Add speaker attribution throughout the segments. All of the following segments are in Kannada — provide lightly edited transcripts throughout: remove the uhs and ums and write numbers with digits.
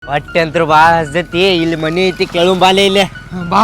Speaker 1: ಹೊಟ್ಟೆ ಅಂತೂ ಭಾಳ ಹಸ್ದೈತಿ. ಇಲ್ಲಿ ಮನಿ ಐತಿ, ಕೆಳು ಬಾಲೆ ಇಲ್ಲೇ
Speaker 2: ಬಾ.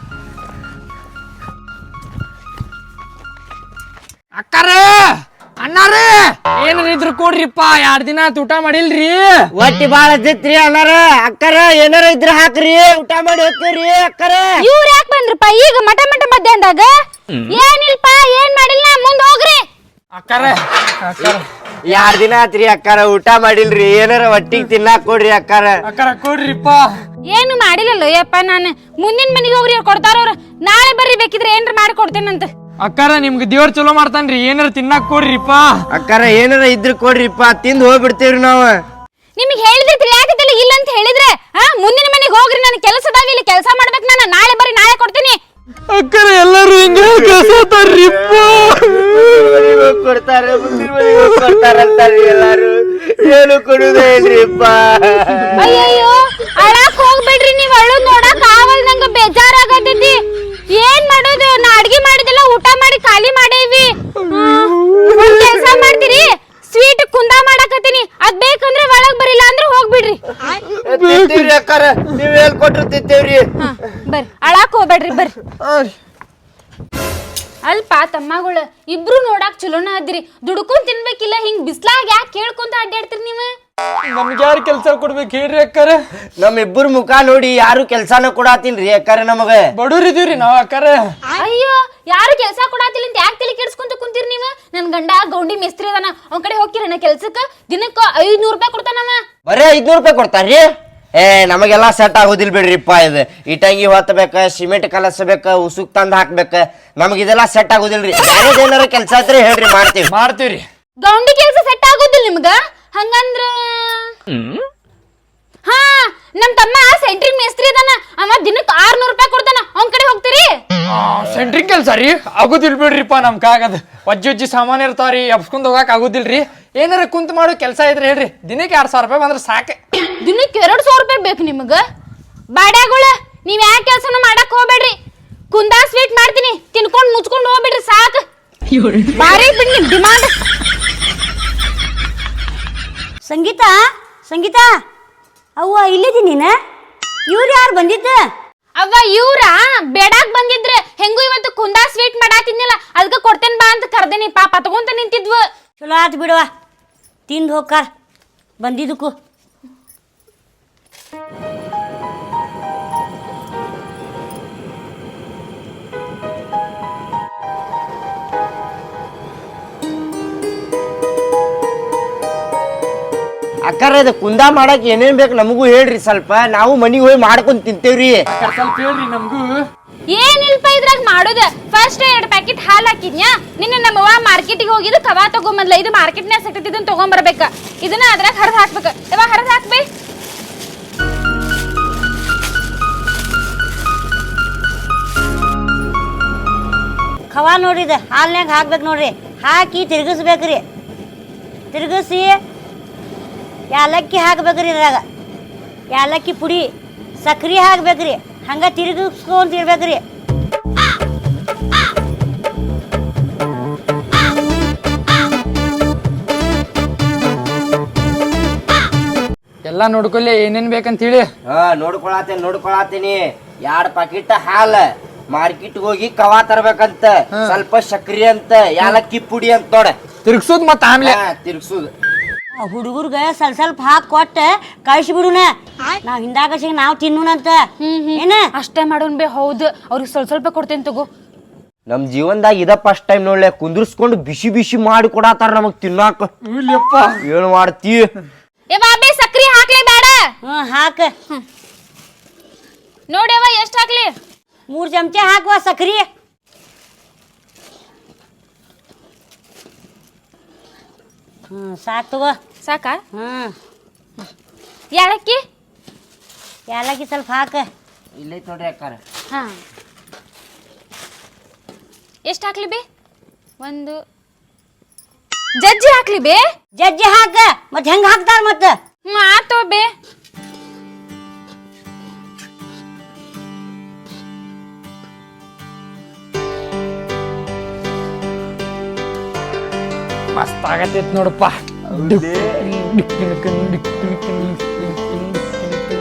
Speaker 2: ಅಕ್ಕಾರೇ ಅಣ್ಣಾರೇ ಏನಾರಿದ್ರು ಕೊಡ್ರಿಪ್ಪ, 2 ದಿನ ಆಯ್ತು ಊಟ ಮಾಡಿಲ್ರಿ.
Speaker 1: ಹೊಟ್ಟಿ ಭಾಳ ಹಸ್ದೈತ್ರಿ ಅಣ್ಣಾರ. ಅಕ್ಕಾರ ಏನಾರ ಇದ್ರ ಹಾಕ್ರಿ, ಊಟ ಮಾಡಿ ಹೋಗ್ತೀವ್ರಿ. ಅಕ್ಕಾರ
Speaker 3: ಇವ್ರು ಯಾಕೆ ಬಂದ್ರಪ್ಪ ಈಗ ಮಟ ಮಧ್ಯಾಹ್ನದಾಗ? ಏನಿಲ್ಪ, ಏನ್ ಮಾಡಿಲ್ಲ, ಮುಂದ್ ಹೋಗ್ರಿ.
Speaker 2: ಅಕ್ಕಾರೆ
Speaker 1: 2 ದಿನ ಆತ್ರಿ ಅಕ್ಕಾರ, ಊಟ ಮಾಡಿಲ್ರಿ. ಏನಾರ ಹೊಟ್ಟಿಗೆ ತಿನ್ನಾಕ್ ಕೊಡ್ರಿ ಅಕ್ಕಾರ.
Speaker 2: ಅಕ್ಕಾರ ಕೊಡ್ರಿಪ್ಪ.
Speaker 3: ಏನು ಮಾಡಿಲ್ಲಲ್ಲೋ ಯಪ್ಪ. ನಾನು ಮುಂದಿನ ಮನೆಗೆ ಹೋಗ್ರಿ, ಕೊಡ್ತಾರ ಅವ್ರು. ನಾಳೆ ಬರ್ರಿ, ಬೇಕಿದ್ರೆ ಏನ್ರ ಮಾಡಿ ಕೊಡ್ತೇನಂತ.
Speaker 2: ಅಕ್ಕಾರ ನಿಮ್ಗೆ ದೇವ್ರ ಚಲೋ ಮಾಡ್ತಾನ್ರಿ, ಏನಾರ ತಿನ್ನಾಕ್ ಕೊಡ್ರಿಪ್ಪ.
Speaker 1: ಅಕ್ಕಾರ ಏನಾರ ಇದ್ರ ಕೊಡ್ರಿಪ್ಪ, ತಿಂದು ಹೋಗ್ಬಿಡ್ತೇವ್ರಿ ನಾವು.
Speaker 3: ನಿಮ್ಗೆ ಹೇಳಿದ್ರೆ ತಿಳಿಯಾಕತ್ತಿಲ್ಲ, ಇಲ್ಲ ಅಂತ ಹೇಳಿದ್ರೆ ಮುಂದಿನ ಮನೆಗೆ ಹೋಗ್ರಿ. ನನ್ನ ಕೆಲಸದಾಗ ಇಲ್ಲಿ ಕೆಲಸ ಮಾಡ್ಬೇಕು. ನಾನು ನಾಳೆ ಬರ್ರಿ, ನಾಳೆ ಕೊಡ್ತೀನಿ.
Speaker 2: ಅಕ್ಕಾರ ಎಲ್ಲರೂ ಹಿಂಗೆ ಕಸತಾರ್ರಿಪ್ಪ.
Speaker 1: ಕೊಡ್ತಾರೆ, ಮುಂದಿನ ಮನೆಗೆ ಕೊಡ್ತಾರಂತಾರ್ರಿ ಎಲ್ಲಾರು. ಏನು ಕೊಡುದೇ ಇಲ್ರಿಪ್ಪ.
Speaker 3: ಅಯ್ಯಯ್ಯೋ, ಅಳಾಕ್ ಹೋಗ್ಬೇಡ್ರಿ. ನೀವ್ ಅಳೋದ್ ನೋಡಕ್ ಆಗಲ್, ನಂಗ ಬೇಜಾರಾಗತೈತಿ. ಏನ್ ಮಾಡೋದು? ನಾ ಅಡ್ಗಿ ಮಾಡಿದೆಲ್ಲ ಊಟ ಮಾಡಿ ಖಾಲಿ ಮಾಡೇವಿ. ಒಂದ್ ಕೆಲ್ಸ ಮಾಡ್ತೀರಿ, ಸ್ವೀಟ್ ಕುಂದಾ ಮಾಡಕತ್ತೀನಿ. ಅದ್ ಬೇಕಂದ್ರೆ ಒಳಗ್ ಬರಿಲ್ಲ ಅಂದ್ರೆ ಹೋಗ್ಬಿಡ್ರಿ.
Speaker 1: ತಿಂತೀವ್ರಿ ಅಕ್ಕಾರ, ನೀವ್ ಹೇಳ್ ಕೊಟ್ರು ತಿಂತೇವ್ರಿ.
Speaker 3: ಬರ್ರಿ, ಅಳಾಕ್ ಹೋಗ್ಬೇಡ್ರಿ, ಬರ್ರಿ. ಅಲ್ಪ ತಮ್ಮಗಳು ಇಬ್ರು ನೋಡಾಕ್ ಚಲೋನ ಅದ್ರಿ. ದುಡ್ಕೊಂಡ್ ತಿನ್ಬೇಕಿಲ್ಲ, ಹಿಂಗ್ ಬಿಸ್ಲಾಗ ಯಾಕೆ ಕೇಳ್ಕೊಂತ ಅಡ್ಡಾಡ್ತೀರಿ ನೀವು?
Speaker 2: ನಮ್ಗೆ ಯಾರು ಕೆಲಸ ಕೊಡ್ಬೇಕು ಹೇಳ್ರಿ ಅಕ್ಕಾರ?
Speaker 1: ನಮ್ಮಿಬ್ಬರು ಮುಖ ನೋಡಿ ಯಾರು ಕೆಲ್ಸಾನ ಕೊಡಾತಿಲ್ರಿ ಅಕ್ಕಾರ. ನಮಗ
Speaker 2: ಬಡವ್ರಿದೀವ್ರಿ ನಾವ್ ಅಕ್ಕಾರ.
Speaker 3: ಅಯ್ಯೋ, ಯಾರು ಕೆಲಸ ಕೊಡಾತಿಲ್ಲ ಅಂತ ಯಾಕೆ ತಲೆ ಕೆಡ್ಸ್ಕೊಂತ ಕುಂತೀರಿ ನೀವು? ನನ್ ಗಂಡ ಗೌಂಡಿ ಮೇಸ್ತ್ರಿ ಅದಾನ, ಅವ್ನ ಕಡೆ ಹೋಗ್ತೀರಣ್ಣ ಕೆಲ್ಸಕ್ಕ. ದಿನಕ್ಕ 500 ರೂಪಾಯಿ ಕೊಡ್ತಾನವ.
Speaker 1: ಬರೇ 500 ರೂಪಾಯಿ ಕೊಡ್ತಾರ್ರಿ? ನಮಗೆಲ್ಲ ಸೆಟ್ ಆಗೋದಿಲ್ ಬಿಡ್ರಿಪ್ಪ. ಇದು ಇಟಂಗಿ ಹೊತ್ತಬೇಕ, ಸಿಮೆಂಟ್ ಕಲಸಬೇಕ, ಉಸುಕ್ ತಂದ್ ಹಾಕ್ಬೇಕ. ನಮಗಿದೆಲ್ಲ ಸೆಟ್ ಆಗೋದಿಲ್ರಿ. ಯಾರೇನಾರ ಕೆಲ್ಸ ಇದ್ರೆ ಹೇಳ್ರಿ,
Speaker 2: ಮಾಡ್ತೀವ್ರಿ.
Speaker 3: ಗೌಂಡಿ ಕೆಲಸ ಸೆಟ್ ಆಗೋದಿಲ್ಲ ನಿಮ್ಗ? ಹಂಗಂದ್ರ ಹಾ, ನಮ್ ತಮ್ಮ ಸೆಂಟ್ರಿಂಗ್ ಮೇಸ್ತ್ರಿ ಅದಾನ, ಅವ ದಿನಕ್ಕ 600 ರೂಪಾಯಿ ಕೊಡ್ತಾನ. ಅವ್ನ ಕಡೆ ಹೋಗ್ತೀರಿ?
Speaker 2: ಸೆಂಟ್ರಿಂಗ್ ಕೆಲ್ಸ ರೀ ಆಗುದಿಲ್ ಬಿಡ್ರಿಪ್ಪ. ನಮ್ ಕಾಗದ ವಜ್ಜಿ ಸಾಮಾನ್ ಇರ್ತಾವ್ರಿ, ಎಬ್ಸ್ಕೊಂಡ್ ಹೋಗಾಕ್ ಆಗುದಿಲ್ರಿ. ಏನಾರ ಕುಂತ್ ಮಾಡೋ ಕೆಲ್ಸ ಇದ್ರೆ ಹೇಳ್ರಿ. ದಿನಕ್ಕೆ 2,000 ರೂಪಾಯಿ ಬಂದ್ರೆ ಸಾಕೆ.
Speaker 3: ದಿನಕ್ಕೆ 200 ರೂಪಾಯಿ ಬೇಕು ನಿಮಗ? ಬಾಡ್ಯಾಗುಳ, ನೀವ್ ಯಾವ ಕೆಲ್ಸನೂ ಮಾಡಕ್ ಹೋಗ್ಬೇಡ್ರಿ. ಕುಂದಾ ಸ್ವೀಟ್ ಮಾಡ್ತೀನಿ, ತಿನ್ಕೊಂಡ್ ಮುಚ್ಕೊಂಡ್ ಹೋಗ್ಬಿಡ್ರಿ ಸಾಕು. ಬಾರಿ ಬಿಡ್ ನಿಮ್ ಡಿಮಾಂಡ್.
Speaker 4: ಸಂಗೀತ, ಸಂಗೀತ ಅವ್ವ ಇಲ್ಲಿದಿ ನೀನ? ಇವ್ರು ಯಾರು ಬಂದಿದ್ದ?
Speaker 3: ಅವ್ವ ಇವ್ರ ಬೇಡಾಕ್ ಬಂದಿದ್ರ. ಹೆಂಗೂ ಇವತ್ತು ಕುಂದಾ ಸ್ವೀಟ್ ಮಾಡಾತಿದ್ನಿಲ್ಲ, ಅದಕ್ಕೆ ಕೊಡ್ತೇನ್ ಬಾ ಅಂತ ಕರ್ದೇನಿ. ಪಾಪ ತಗೊಂತ ನಿಂತಿದ್ವು.
Speaker 4: ಚಲೋ ಆತು ಬಿಡವ, ತಿಂದು ಹೋಗ್ಕಾರ ಬಂದಿದ್ದಕ್ಕೂ.
Speaker 1: ಅಕ್ಕಾರ ಇದು ಕುಂದಾ ಮಾಡಕ್ ಏನೇನ್ ಬೇಕು ನಮಗೂ ಹೇಳ್ರಿ ಸ್ವಲ್ಪ. ನಾವು ಮನಿಗೆ ಹೋಗಿ ಮಾಡ್ಕೊಂಡ್ ತಿಂತೇವ್ರಿ.
Speaker 2: ಸ್ವಲ್ಪ ಹೇಳ್ರಿ ನಮಗೂ.
Speaker 3: ಏನಿಲ್ಪ ಇದ್ರಾಗ ಮಾಡೋದ. ಫಸ್ಟ್ 2 ಪ್ಯಾಕೆಟ್ ಹಾಲು ಹಾಕಿದ್ನ್ಯಾ. ನಿನ್ನೆ ನಮ್ಮವ್ವ ಮಾರ್ಕೆಟಿಗೆ ಹೋಗಿದ್ದು ಕವಾ ತಗೊಂಬಂದ್ಲ. ಇದು ಮಾರ್ಕೆಟ್ನ್ಯಾಗ ಸಿಕ್ತೈತಿ, ಇದನ್ನ ತಗೊಂಬರ್ಬೇಕ. ಇದನ್ನ ಅದ್ರಾಗ ಹರಿದ್ ಹಾಕ್ಬೇಕ. ಇವ ಹರಿದ್ ಹಾಕ್ಬೇ.
Speaker 4: ಖವಾ ನೋಡ್ರಿ, ಹಾಲ್ನ್ಯಾಗ ಹಾಕ್ಬೇಕು ನೋಡ್ರಿ. ಹಾಕಿ ತಿರ್ಗಿಸ್ಬೇಕ್ರಿ. ತಿರ್ಗಿಸಿ ಯಾಲಕ್ಕಿ ಹಾಕ್ಬೇಕ್ರಿ. ಇದ್ರಾಗ ಯಾಲಕ್ಕಿ ಪುಡಿ, ಸಕ್ರೆ ಹಾಕ್ಬೇಕ್ರಿ. ಹಂಗ ತಿರ್ಗಿಸ್ಕೊಂತಿರ್ಬೇಕ್ರಿ.
Speaker 2: ಎಲ್ಲಾ ನೋಡ್ಕೊಲ್ಲಿ ಏನೇನ್ ಬೇಕಂತ ಹೇಳಿ.
Speaker 1: ನೋಡ್ಕೊಳತೀನಿ. 2 ಪ್ಯಾಕೆಟ್ ಹಾಲ, ಮಾರ್ಕೆಟ್ ಹೋಗಿ ಕವಾ ತರ್ಬೇಕಂತ, ಸ್ವಲ್ಪ ಸಕ್ರಿ ಅಂತ, ಯಾಲಕ್ಕಿ ಪುಡಿ ಅಂತ ನೋಡ.
Speaker 2: ತಿರ್ಗ್ಸೋದ್ ಮತ್ತ ಆಮ್ಲೆ
Speaker 1: ತಿರ್ಗ್ಸುದು.
Speaker 4: ಹುಡುಗರ್ಗ ಸ್ವಲ್ಪ ಹಾಕಿ ಕೊಟ್ಟ ಕಳ್ಸಿಬಿಡುನ. ನಾವ್ ಹಿಂದಾಗ ನಾವ್ ತಿನ್ನೂನಂತ. ಏನ
Speaker 3: ಅಷ್ಟೇ ಮಾಡೋನ್ ಬೇ. ಹೌದು, ಅವ್ರಿಗೆ ಸ್ವಲ್ಪ ಕೊಡ್ತೇನೆ ತಗೋ.
Speaker 1: ನಮ್ ಜೀವನದಾಗ ಇದ ಫಸ್ಟ್ ಟೈಮ್ ನೋಡ್ಲೆ, ಕುಂದ್ರಸ್ಕೊಂಡು ಬಿಸಿ ಬಿಸಿ ಮಾಡಿ ಕೊಡಾತಾರ ನಮಗ್ ತಿನ್ನಾಕ. ಏನು ಮಾಡ್ತಿ?
Speaker 3: ಬೇ ಸಕ್ರಿ ಹಾಕ್ಲೇ ಬೇಡ?
Speaker 4: ಹಾಕ
Speaker 3: ನೋಡ್ಯವ ಎಷ್ಟ್ ಹಾಕ್ಲಿ?
Speaker 4: 3 ಚಮಚ ಹಾಕುವ ಸಕ್ರಿ. ಸಾಕ್ ತಗೋ.
Speaker 3: ಸಾಕ? ಯಾಲಕ್ಕಿ
Speaker 4: ಯಾಲಕ್ಕಿ ಸ್ವಲ್ಪ ಹಾಕ.
Speaker 1: ಇಲ್ಲೇ ನೋಡ್ರಿ ಅಕ್ಕಾರ.
Speaker 3: ಹಾ, ಎಷ್ಟ್ ಹಾಕ್ಲಿ ಬೇ? 1 ಜಜ್ಜಿ ಹಾಕ್ಲಿ ಬೇ?
Speaker 4: ಜಜ್ಜಿ ಹಾಕ. ಮತ್ ಹೆಂಗ್ ಹಾಕ್ತಾರ ಮತ್ತ?
Speaker 3: ಆತೋ ಬೇ.
Speaker 2: ಮಸ್ತ್ ಆಗತ್ತೈತ್ ನೋಡಪ್ಪ.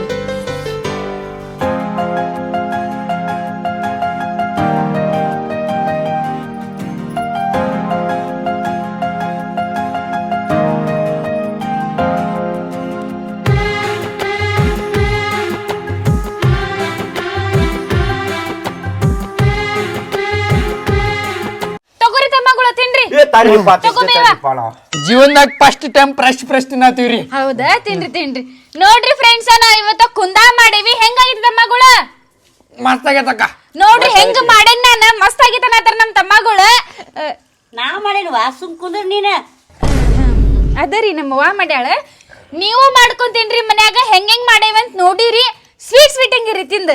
Speaker 1: ತಾರಿಪ್ಪ
Speaker 2: ಜೀವನದಾಗ ಫಸ್ಟ್ ಟೈಮ್ ಫ್ರೆಶ್ ತಿನ್ನತ್ತೀವ್ರಿ.
Speaker 3: ಹೌದಾ? ತಿನ್ರಿ ನೋಡ್ರಿ ಫ್ರೆಂಡ್ಸ್, ನಾವ್ ಇವತ್ತ ಕುಂದಾ ಮಾಡೇವಿ. ಹೆಂಗಾಗಿತ್ತು ತಮ್ಮಗಳ?
Speaker 2: ಮಸ್ತ್ ಆಗೈತಕ್ಕ.
Speaker 3: ನೋಡ್ರಿ ಹೆಂಗ್ ಮಾಡೇನ್ ನಾನ, ಮಸ್ತ್ ಆಗಿತ್ತ ನಮ್ ತಮ್ಮಗಳ.
Speaker 4: ನಾ ಮಾಡೇನ್ವಾ, ಸುಮ್ ಕುಂದ್ರ ನೀನ.
Speaker 3: ಅದರಿ ನಮ್ಮವ್ವ ಮಾಡ್ಯಾಳ. ನೀವು ಮಾಡ್ಕೊಂತೀನ್ರಿ ಮನ್ಯಾಗ. ಹೆಂಗ್ ಮಾಡೇವಂತ ನೋಡಿರಿ. ಸ್ವೀಟ್ ಹೆಂಗಿರಿ ತಿಂದ.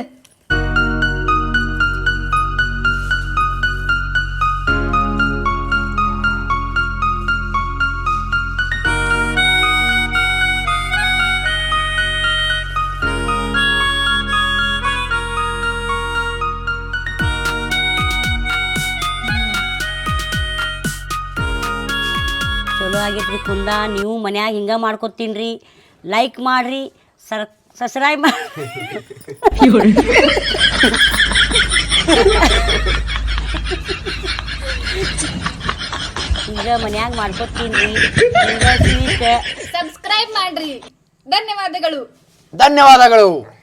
Speaker 4: ಚಲೋ ಆಗೈತ್ರಿ ಕುಂದ. ನೀವು ಮನ್ಯಾಗ ಹಿಂಗ ಮಾಡ್ಕೊತೀನ್ರಿ. ಲೈಕ್ ಮಾಡ್ರಿ, ಸಬ್ಸ್ಕ್ರೈಬ್ ಮಾಡಿ. ಹಿಂಗ ಮನ್ಯಾಗ ಮಾಡ್ಕೊತೀನ್ರಿ.
Speaker 3: ಸಬ್ಸ್ಕ್ರೈಬ್ ಮಾಡ್ರಿ. ಧನ್ಯವಾದಗಳು.
Speaker 2: ಧನ್ಯವಾದಗಳು.